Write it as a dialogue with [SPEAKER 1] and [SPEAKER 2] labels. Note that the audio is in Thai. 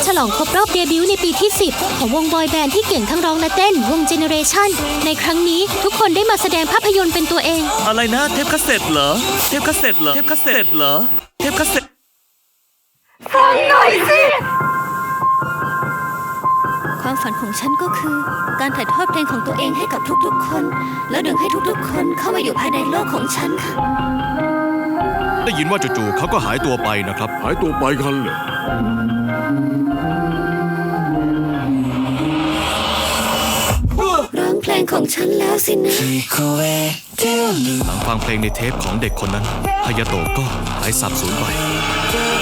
[SPEAKER 1] ฉลองครบรอบเดบิวต์ในปีที่ 10 ของวงบอยแบนด์ที่เก่งทั้งร้องและเต้นวงเจเนเรชั่นในครั้งนี้ทุกคนได้มาแสดงภาพยนตร์เป็นตัวเอง
[SPEAKER 2] อะไรนะเทปคาสเซ็ตเหรอเทปคาสเซ็ตเหรอเทปคาสเซ็ตเหรอเทปคาสเซ็ต
[SPEAKER 1] ฟังหน่อยสิความฝันของฉันก็คือการถ่ายทอดเพลงของตัวเองให้กับทุกๆคนแล้วดึงให้ทุกๆคนเข้ามาอยู่ภายในโลกของฉันค่ะ
[SPEAKER 3] ได้ยินว่าจู่ๆเขาก็หายตัวไปนะครับ
[SPEAKER 4] หายตัวไปกันเหรอ
[SPEAKER 1] ร้องเพลงของฉันแล้วสินะ
[SPEAKER 3] หลังฟังเพลงในเทปของเด็กคนนั้นฮายาโตะก็หายสาบสูญไป